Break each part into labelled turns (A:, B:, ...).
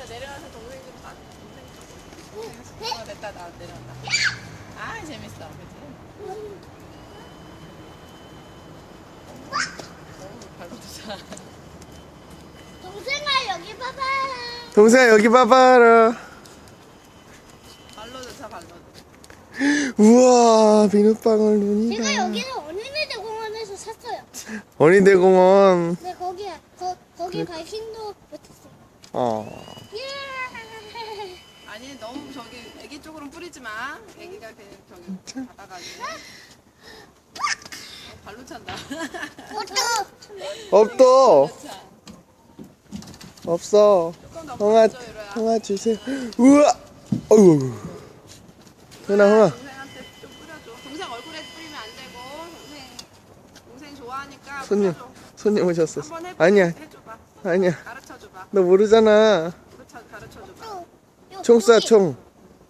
A: 내려와서 동생 좀 봐. 동생 됐다 나 내려온다. 아 재밌어, 그치? 너무 발버둥.
B: 동생아 여기 봐봐.
C: 동생아 여기 봐봐라.
A: 발로도 차 발로도.
C: 우와 비눗방울 눈이다.
B: 제가 여기는 어린이들 공원에서 샀어요.
C: 어린이대공원.
B: 근데 거기 갈 힘도 못했어요. 예.
A: 아니 너무 저기 애기 쪽으로는 뿌리지 마. 애기가 그냥 저기 받아가지고. 발로 찬다.
C: 없어.
A: 차.
C: 없어.
A: 조금 더
C: 형아,
A: 뿌려줘, 이로야.
C: 형아 주세요. 우와. 어이구. 형아.
A: 동생한테 좀 뿌려줘. 동생 얼굴에 뿌리면 안 되고. 동생 좋아하니까
C: 손님,
A: 뿌려줘.
C: 손님 오셨어.
A: 한번 해봐.
C: 아니야,
A: 해줘봐.
C: 아니야.
A: 가르쳐줘봐.
C: 너 모르잖아.
A: 가르쳐줘봐.
C: 총 쏴, 총.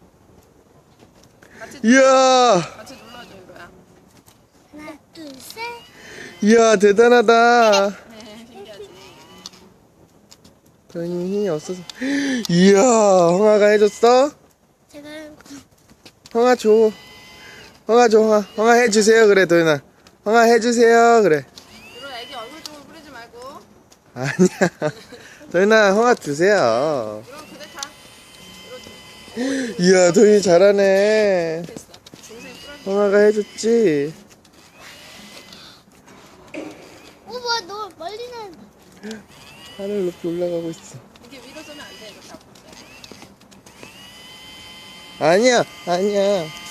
A: 같이
C: 이야,
A: 같이 눌러줘, 이로야.
B: 하나 둘 셋.
C: 이야, 대단하다.
A: 네, 신기하지.
C: 도현이 힘이 없어서. 이야, 형아가 해줬어?
B: 제가
C: 형아 줘. 형아 줘, 형아. 형아 해주세요, 그래, 도현아. 형아 해주세요, 그래.
A: 이로 애기 얼굴 쪽으로 뿌리지 말고.
C: 아니야. 도현아, 형아 주세요.
A: 이로 그대 타.
C: 이야, 도현이 잘하네.
A: 됐어. 동생 뿌려줘.
C: 형아가 해줬지.
B: 뭐야 너 멀리 난.
C: 하늘 높이 올라가고 있어.
A: 이게 위로 쏘면 안 돼. 이거 잡고 있어.
C: 아니야, 아니야.